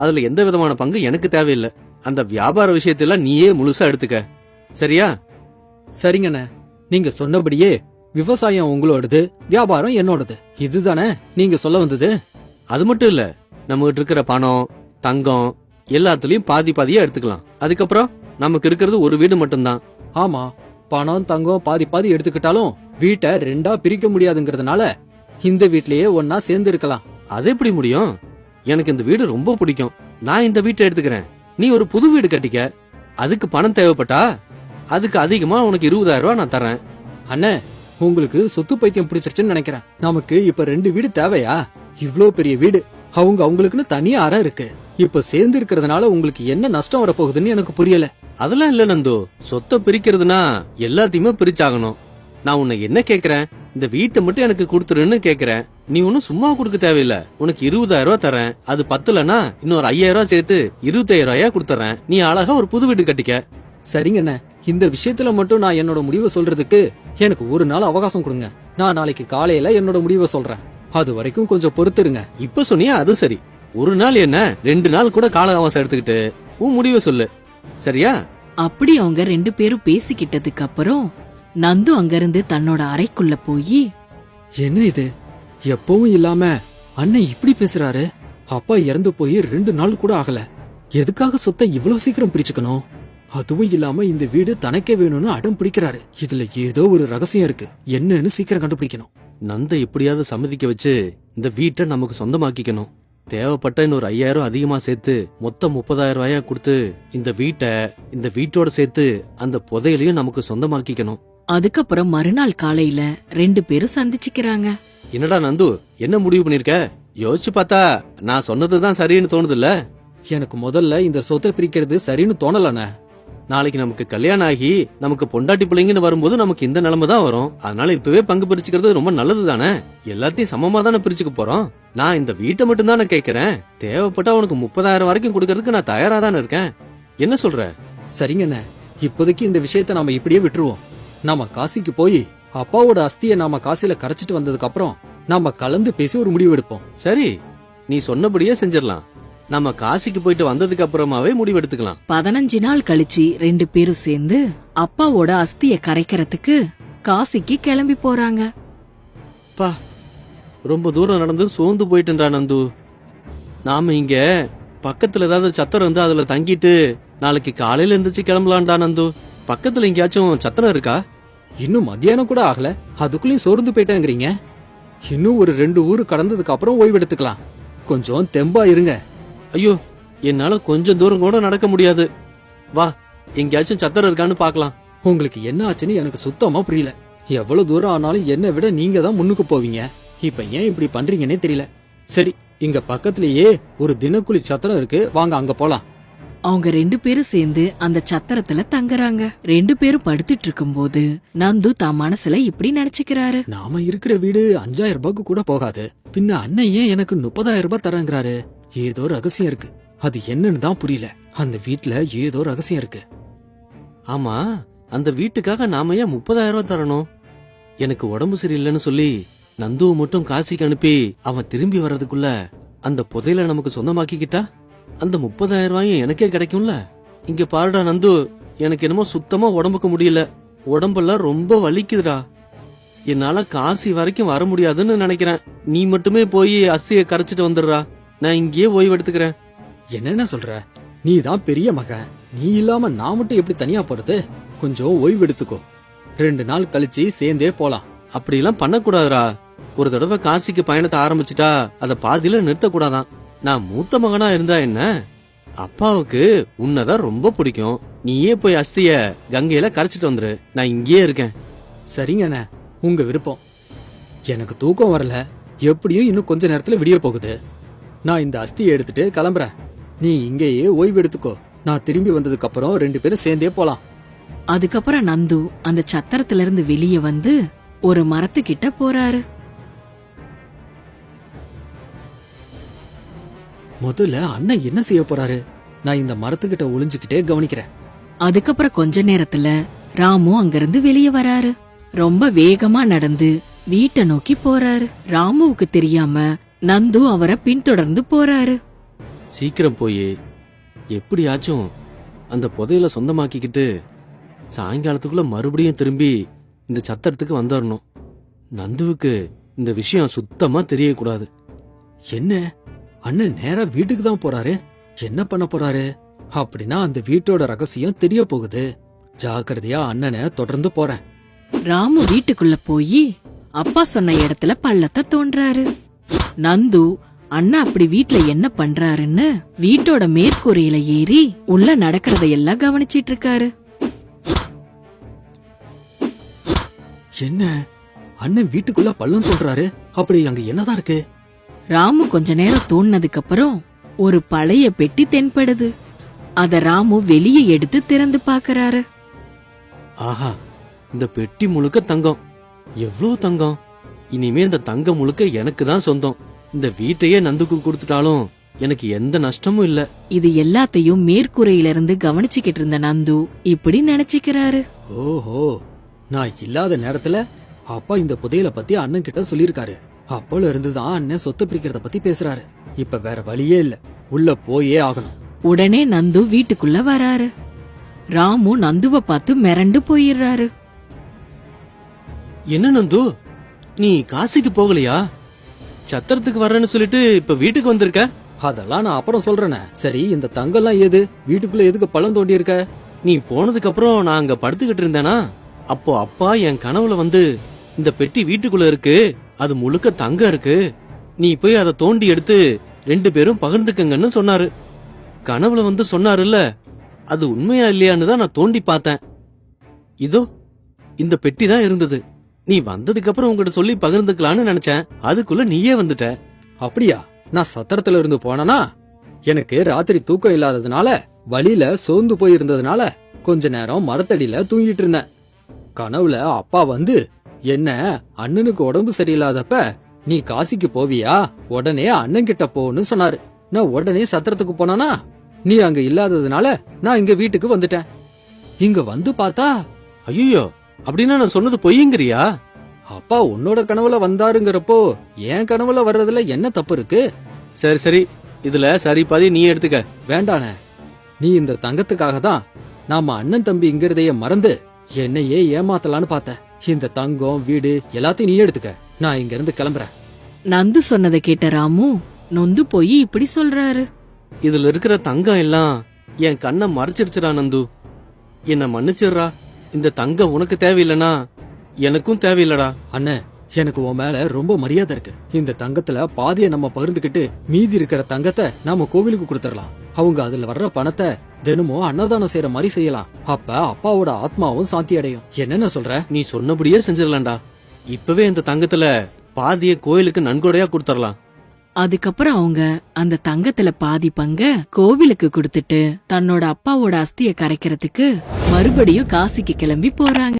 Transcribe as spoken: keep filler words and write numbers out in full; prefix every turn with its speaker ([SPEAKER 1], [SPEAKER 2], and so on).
[SPEAKER 1] அதுல எந்த விதமான பங்கு எனக்கு தேவையில்லை. அந்த வியாபார விஷயத்தெல்லாம் நீயே முழுசா எடுத்துக்க, சரியா?
[SPEAKER 2] சரிங்கண்ணே, நீங்க சொன்னபடியே விவசாயம் உங்களோடது, வியாபாரம் என்னோடது. இதுதானே நீங்க சொல்ல வந்தது?
[SPEAKER 1] அது மட்டும் இல்ல, நம்ம கிட்ட இருக்கிற பணம், தங்கம் எல்லாத்துலயும் பாதி பாதியா எடுத்துக்கலாம். அதுக்கப்புறம் நமக்கு இருக்கிறது ஒரு வீடு மட்டும்தான்.
[SPEAKER 2] ஆமா, பணம் தங்கம் பாதி பாதி எடுத்துக்கிட்டாலும் வீட்டை ரெண்டா பிரிக்க முடியாதுங்கிறதுனால இந்த வீட்லயே ஒன்னா சேர்ந்து இருக்கலாம்.
[SPEAKER 1] அது எப்படி முடியும்? எனக்கு இந்த வீடு ரொம்ப பிடிக்கும். நான் இந்த வீட்டை எடுத்துக்கிறேன். நீ ஒரு புது வீடு கட்டிக்க. அதுக்கு பணம் தேவைப்பட்டா அதுக்கு அதிகமா உனக்கு இருபதாயிரம் ரூபாய் நான் தரேன்.
[SPEAKER 2] அண்ணே, உங்களுக்கு சொத்து பைத்தியம் பிடிச்சிருச்சுன்னு நினைக்கிறேன். நமக்கு இப்ப ரெண்டு வீடு தேவையா? இவ்ளோ பெரிய வீடு, அவங்க அவங்களுக்குன்னு தனியா அறை இருக்கு. இப்ப சேர்ந்து இருக்கிறதுனால உங்களுக்கு என்ன நஷ்டம் வரப்போகுதுன்னு எனக்கு புரியல.
[SPEAKER 1] அதெல்லாம் இல்ல நந்து, சொத்தை பிரிக்கிறதுனா எல்லாத்தையுமே பிரிச்சாகணும். நான் உன்னை என்ன கேக்குறேன், இந்த வீட்டை மட்டும் எனக்கு கொடுத்துருன்னு கேக்குறேன். நீ ஒன்னும் சும்மா கொடுக்க தேவையில்ல. உனக்கு இருபதாயிரம் ரூபாய் தரேன். அது பத்துலன்னா இன்னொரு ஐயாயிரம் ரூபாய் சேர்த்து இருபத்தாயிரம் ரூபாயா கொடுத்துறேன். நீ அழகா ஒரு புது வீடு கட்டிக்க.
[SPEAKER 2] சரிங்கண்ணே, இந்த விஷயத்துல மட்டும் நான் என்னோட முடிவை சொல்றதுக்கு எனக்கு ஒரு நாள் அவகாசம் கொடுங்க. நான் நாளைக்கு காலையில என்னோட முடிவை சொல்றேன். அது வரைக்கும் கொஞ்சம் பொறுத்துருங்க.
[SPEAKER 1] இப்ப சொன்னியா அது சரி. ஒரு நாள் என்ன, ரெண்டு நாள் கூட கால அவகாசம் எடுத்துக்கிட்டு உன் முடிவை சொல்லு, சரியா?
[SPEAKER 3] அப்படி அவங்க ரெண்டு பேரும் பேசிக்கிட்டதுக்கு அப்புறம் நந்து அங்கிருந்து தன்னோட அறைக்குள்ள போய்,
[SPEAKER 2] என்ன இது, எப்பவும் இல்லாம அண்ணன் இப்படி பேசுறாரு? அப்பா இறந்து போய் ரெண்டு நாள் கூட ஆகல, எதுக்காக சொத்தை இவ்வளவு சீக்கிரம் பிரிச்சுக்கணும்? அதுவும் இல்லாம இந்த வீடு தனக்கே வேணும்னு அடம் பிடிக்கிறாரு. இதுல ஏதோ ஒரு ரகசியம் இருக்கு, என்னன்னு சீக்கிரம் கண்டுபிடிக்கணும்.
[SPEAKER 1] நந்த எப்படியாவது சம்மதிக்க வச்சு இந்த வீட்டை நமக்கு சொந்தமாக்கிக்கணும். தேவைப்பட்ட இன்னொரு ஐயாயிரம் அதிகமா சேர்த்து மொத்தம் முப்பதாயிரம் ரூபாயா கொடுத்து இந்த வீட்டை இந்த வீட்டோட சேர்த்து அந்த புதையலையும் நமக்கு சொந்தமாக்கிக்கணும்.
[SPEAKER 3] அதுக்கப்புறம் மறுநாள் காலையில ரெண்டு பேரும் சந்திச்சுக்கிறாங்க.
[SPEAKER 1] என்னடா நந்து, என்ன முடிவு பண்ணிருக்க? யோசிச்சு பார்த்தா நான் சொன்னதுதான் சரின்னு தோணுதுல்ல?
[SPEAKER 2] எனக்கு முதல்ல இந்த சொத்தை பிரிக்கிறது சரின்னு தோணலண்ணே.
[SPEAKER 1] நாளைக்கு நமக்கு கல்யாணம் ஆகி நமக்கு பொண்டாட்டி பிள்ளைங்கன்னு வரும்போது நமக்கு இந்த நிலைமை தான் வரும். அதனால இப்பவே பங்கு பிரிச்சுக்கிறது ரொம்ப நல்லது தானே. எல்லாத்தையும் சமமா தானே பிரிச்சுக்க போறோம். நான் இந்த வீட்டை மட்டும் தானே கேட்கறேன். தேவைப்பட்டா உனக்கு முப்பதாயிரம் வரைக்கும் கொடுக்கறதுக்கு நான் தயாரா தானே இருக்கேன். என்ன சொல்ற?
[SPEAKER 2] சரிங்கண்ணே, இப்போதைக்கு இந்த விஷயத்த நாம இப்படியே விட்டுருவோம். நாம காசிக்கு போய் அப்பாவோட அஸ்தியை நாம காசில கரைச்சிட்டு வந்ததுக்கு அப்புறம் நாம கலந்து பேசி ஒரு முடிவு எடுப்போம்.
[SPEAKER 1] சரி, நீ சொன்னபடியே செஞ்சிடலாம். நம்ம காசிக்கு போயிட்டு வந்ததுக்கு அப்புறமாவே முடிவு எடுத்துக்கலாம்.
[SPEAKER 3] பதினஞ்சு நாள் கழிச்சு ரெண்டு பேரும் சேர்ந்து அப்பாவோட அஸ்திய கரைக்கிறதுக்கு காசிக்கு கிளம்பி போறாங்க.
[SPEAKER 1] பா, ரொம்ப தூரம் நடந்து சோர்ந்து போயிட்டுன்றா நந்து. நாம இங்க பக்கத்துல ஏதாவது சத்திரம் இருந்து அதுல தங்கிட்டு நாளைக்கு காலையில எந்திரிச்சு கிளம்பலாம்டா நந்து. பக்கத்துல எங்கேயாச்சும் சத்திரம் இருக்கா?
[SPEAKER 2] இன்னும் மத்தியானம் கூட ஆகல, அதுக்குள்ளயும் சோர்ந்து போயிட்டேங்கிறீங்க. இன்னும் ஒரு ரெண்டு ஊரு கடந்ததுக்கு அப்புறம் ஓய்வு எடுத்துக்கலாம். கொஞ்சம் தெம்பா இருங்க.
[SPEAKER 1] ஐயோ, என்னால கொஞ்சம் தூரம் கூட நடக்க முடியாது. வா, எங்கேயாச்சும் சத்திரம் இருக்கான்னு பாக்கலாம்.
[SPEAKER 2] உங்களுக்கு என்ன ஆச்சுன்னு எனக்கு சுத்தமா புரியல. எவ்வளவு தூரம் ஆனாலும் என்னை விட நீங்க தான் முன்னுக்கு போவீங்க. இப்ப ஏன் இப்படி பண்றீங்கன்னே தெரியல. சரி, இங்க பக்கத்திலேயே ஒரு தினக்கூலி சத்திரம் இருக்கு, வாங்க அங்க போலாம்.
[SPEAKER 3] அவங்க ரெண்டு பேரும் சேர்ந்து அந்த சத்திரத்துல தங்குறாங்க. ரெண்டு பேரும் படுத்துட்டு இருக்கும் போது நந்து தான் மனசுல இப்படி நினைச்சுக்கிறாரு.
[SPEAKER 2] நாம இருக்கிற வீடு அஞ்சாயிரம் ரூபாய்க்கு கூட போகாது, பின்ன அண்ணன் ஏன் எனக்கு முப்பதாயிரம் ரூபாய் தரங்கிறாரு? ஏதோ ரகசியம் இருக்கு, அது என்னன்னு தான் புரியல. அந்த வீட்டுல ஏதோ ரகசியம் இருக்கு.
[SPEAKER 1] ஆமா, அந்த வீட்டுக்காக நாம ஏன் முப்பதாயிரம் ரூபாய் தரணும்? எனக்கு உடம்பு சரியில்லைன்னு சொல்லி நந்துவை மட்டும் காசிக்கு அனுப்பி அவன் திரும்பி வர்றதுக்குள்ள அந்த புதையில நமக்கு சொந்தமாக்கிக்கிட்டா அந்த முப்பதாயிரம் ரூபாயும் எனக்கே கிடைக்கும்ல. இங்க பாருடா நந்து, எனக்கு என்னமோ சுத்தமா உடம்புக்கு முடியல. உடம்பெல்லாம் ரொம்ப வலிக்குதுடா. என்னால காசி வரைக்கும் வர முடியாதுன்னு நினைக்கிறேன். நீ மட்டுமே போய் அஸ்தியை கரைச்சிட்டு வந்துடுறா, நான் இங்கேயே ஓய்வு எடுத்துக்கிறேன்.
[SPEAKER 2] என்னென்ன சொல்ற? நீ தான் பெரிய மகன், நீ இல்லாம நான் மட்டும் எப்படி தனியா போறது? கொஞ்சம் ஓய்வு எடுத்துக்கோ, ரெண்டு நாள் கழிச்சு சேர்ந்தே போலாம்.
[SPEAKER 1] அப்படிலாம் பண்ணக்கூடாதுரா. ஒரு தடவை காசிக்கு பயணத்தை ஆரம்பிச்சுட்டா அதை பாதியில நிறுத்தக்கூடாதான். நான் மூத்த மகனா இருந்தா என்ன, அப்பாவுக்கு உன்னதான் ரொம்ப பிடிக்கும். நீயே போய் அஸ்திய கங்கையில கரைச்சிட்டு வந்துரு, நான் இங்கேயே இருக்கேன்.
[SPEAKER 2] சரிங்கண்ணே, உங்க விருப்பம். எனக்கு தூக்கம் வரல, எப்படியும் இன்னும் கொஞ்ச நேரத்துல விடிய போகுது. நான் இந்த அஸ்தியை எடுத்துட்டு கிளம்புறேன். நீ இங்கேயே ஓய்வு எடுத்துக்கோ, நான் திரும்பி வந்ததுக்கு அப்புறம் ரெண்டு பேரும் சேர்ந்தே போலாம்.
[SPEAKER 3] அதுக்கப்புறம் நந்து அந்த சத்திரத்துல இருந்து வெளியே வந்து ஒரு மரத்துக்கிட்ட போறாரு.
[SPEAKER 2] முதல்ல அண்ணன் என்ன செய்ய போறாரு? நான் இந்த மரத்துக்கிட்ட ஒளிஞ்சுக்கிட்டே கவனிக்கிறேன்.
[SPEAKER 3] அதுக்கப்புறம் கொஞ்ச நேரத்துல ராமு அங்கிருந்து வெளியே வராரு. ரொம்ப வேகமா நடந்து வீட்டை நோக்கி போறாரு. ராமுவுக்கு தெரியாம நந்து அவரை பின்தொடர்ந்து போறாரு.
[SPEAKER 1] சீக்கிரம் போய் எப்படியாச்சும் அந்த புதையல சொந்தமாக்கிக்கிட்டு சாயங்காலத்துக்குள்ள மறுபடியும் திரும்பி இந்த சத்திரத்துக்கு வந்துடணும். நந்துவுக்கு இந்த விஷயம் சுத்தமா தெரியக்கூடாது.
[SPEAKER 2] என்ன அண்ணன் நேரா வீட்டுக்கு தான் போறாரு? என்ன பண்ண போறாரு? அப்படின்னா அந்த வீட்டோட ரகசியம் தெரிய போகுது. ஜாக்கிரதையா அண்ணனை தொடர்ந்து போறேன்.
[SPEAKER 3] ராமு வீட்டுக்குள்ள போய் அப்பா சொன்ன இடத்துல பள்ளத்தை தோன்றாரு. நந்து அண்ணா அப்படி வீட்ல என்ன பண்றாருன்னு வீட்டோட மேற்கூரையில ஏறி உள்ள நடக்கிறதையெல்லாம் கவனிச்சிட்டு இருக்காரு.
[SPEAKER 2] என்ன அண்ணன் வீட்டுக்குள்ள பள்ளம் தோன்றாரு? அப்படி அங்க என்னதான் இருக்கு?
[SPEAKER 3] ராமு கொஞ்ச நேரம் தோணுனதுக்கு அப்புறம் ஒரு பழைய பெட்டி தென்படுது. அத ராமு வெளியே எடுத்து திறந்து பாக்குறாரு.
[SPEAKER 1] ஆஹா, இந்த பெட்டி முழுக்க தங்கம். எவ்வளவு தங்கம்! இனிமே இந்த தங்கம் முழுக்க எனக்கு தான் சொந்தம். இந்த வீட்டையே நந்துக்கு கொடுத்துட்டாலும் எனக்கு எந்த நஷ்டமும் இல்ல.
[SPEAKER 3] இது எல்லாத்தையும் மேற்கூரையில இருந்து கவனிச்சுக்கிட்டு இருந்த நந்து இப்படி நினைச்சுக்கிறாரு.
[SPEAKER 2] ஓஹோ, நான் இல்லாத நேரத்துல அப்பா இந்த புதையல பத்தி அண்ணன் கிட்ட சொல்லிருக்காரு. அப்போல இருந்துதான் அண்ணன் சொத்து பிரிக்கிறத பத்தி பேசுறாரு. இப்ப வேற வழியே இல்ல, உள்ள போயே ஆகணும்.
[SPEAKER 3] உடனே நந்து வீட்டுக்குள்ள வராரு. ராமு நந்துவ பார்த்து மிரண்டு போயிடுறாரு.
[SPEAKER 1] என்ன நந்து, நீ காசிக்கு போகலையா? சத்திரத்துக்கு வர்றேன்னு சொல்லிட்டு இப்ப வீட்டுக்கு வந்திருக்க?
[SPEAKER 2] அதெல்லாம் நான் அப்புறம் சொல்றேனே. சரி, இந்த தங்கம்லாம் ஏது? வீட்டுக்குள்ள எதுக்கு பள்ளம் தோண்டி இருக்க?
[SPEAKER 1] நீ போனதுக்கு அப்புறம் நான் அங்க படுத்துக்கிட்டு இருந்தேனா, அப்போ அப்பா என் கனவுல வந்து இந்த பெட்டி வீட்டுக்குள்ள இருக்கு, அது முழுக்க தங்கம் இருக்கு, நீ போய் அதை தோண்டி எடுத்து ரெண்டு பேரும் பகிர்ந்துக்கங்கன்னு சொன்னாரு. கனவுல வந்து சொன்னாருல்ல, அது உண்மையா இல்லையான்னு தான் நான் தோண்டி பார்த்தேன். இதோ இந்த பெட்டி தான் இருந்தது. நீ வந்ததுக்கு அப்புறம் உங்ககிட்ட சொல்லி பகிர்ந்துக்கலான்னு நினைச்சேன். அதுக்குள்ள நீயே வந்துட்ட.
[SPEAKER 2] அப்படியா? நான் சத்திரத்துல இருந்து போனனா, எனக்கு ராத்திரி தூக்கம் இல்லாததுனால வழியில சோர்ந்து போயிருந்ததுனால கொஞ்ச நேரம் மரத்தடியில தூங்கிட்டு இருந்தேன். கனவுல அப்பா வந்து என்ன, அண்ணனுக்கு உடம்பு சரியில்லாதப்ப நீ காசிக்கு போவியா, உடனே அண்ணன் கிட்ட போன்னு சொன்னாரு. நான் உடனே சத்திரத்துக்கு போனானா, நீ அங்க இல்லாததுனால நான் இங்க வீட்டுக்கு வந்துட்டேன். இங்க வந்து பார்த்தா,
[SPEAKER 1] ஐயோ, அப்படின்னா நான் சொன்னது பொய்யுங்கிறியா?
[SPEAKER 2] அப்பா உன்னோட கனவுல வந்தாருங்கிறப்போ என் கனவுல வர்றதுல என்ன தப்பு இருக்கு?
[SPEAKER 1] சரி சரி, இதுல சரி பாதி நீ எடுத்துக்க.
[SPEAKER 2] வேண்டானே, நீ இந்த தங்கத்துக்காக தான் நாம அண்ணன் தம்பிங்கிறதைய மறந்து என்னையே ஏமாத்தலான்னு பார்த்த. இந்த தங்கம் வீடு எல்லாத்தையும் நீ எடுத்துக்க, நான் இங்க இருந்து கிளம்புறேன்.
[SPEAKER 3] நந்து சொன்னதை கேட்ட ராமு நொந்து போய் இப்படி சொல்றாரு.
[SPEAKER 1] இதுல இருக்கிற தங்கம் எல்லாம் என் கண்ணை மறைச்சிருச்சுடா நந்து. என்ன மன்னிச்சிடுறா. இந்த தங்கம் உனக்கு தேவையில்லனா எனக்கும் தேவையில்லடா.
[SPEAKER 2] அண்ணே, எனக்கு உன் மேல ரொம்ப மரியாதை இருக்கு. இந்த தங்கத்துல பாதிய நம்ம பகிர்ந்துகிட்டு மீதி இருக்கிற தங்கத்தை நாம கோவிலுக்கு கொடுத்துடலாம். அவங்க அதுல வர்ற பணத்தை தினமும் அன்னதானம் செய்யற மாதிரி செய்யலாம். அப்ப அப்பாவோட ஆத்மாவும் சாந்தி அடையும். என்னென்ன சொல்ற?
[SPEAKER 1] நீ சொன்னபடியே செஞ்சிடலாம்டா. இப்பவே இந்த தங்கத்துல பாதிய கோயிலுக்கு நன்கொடையா கொடுத்துடலாம்.
[SPEAKER 3] அதுக்கப்புறம் அவங்க அந்த தங்கத்துல பாதி பங்க கோவிலுக்கு கொடுத்துட்டு தன்னோட அப்பாவோட அஸ்திய கரைக்கிறதுக்கு மறுபடியும் காசிக்கு கிளம்பி போறாங்க.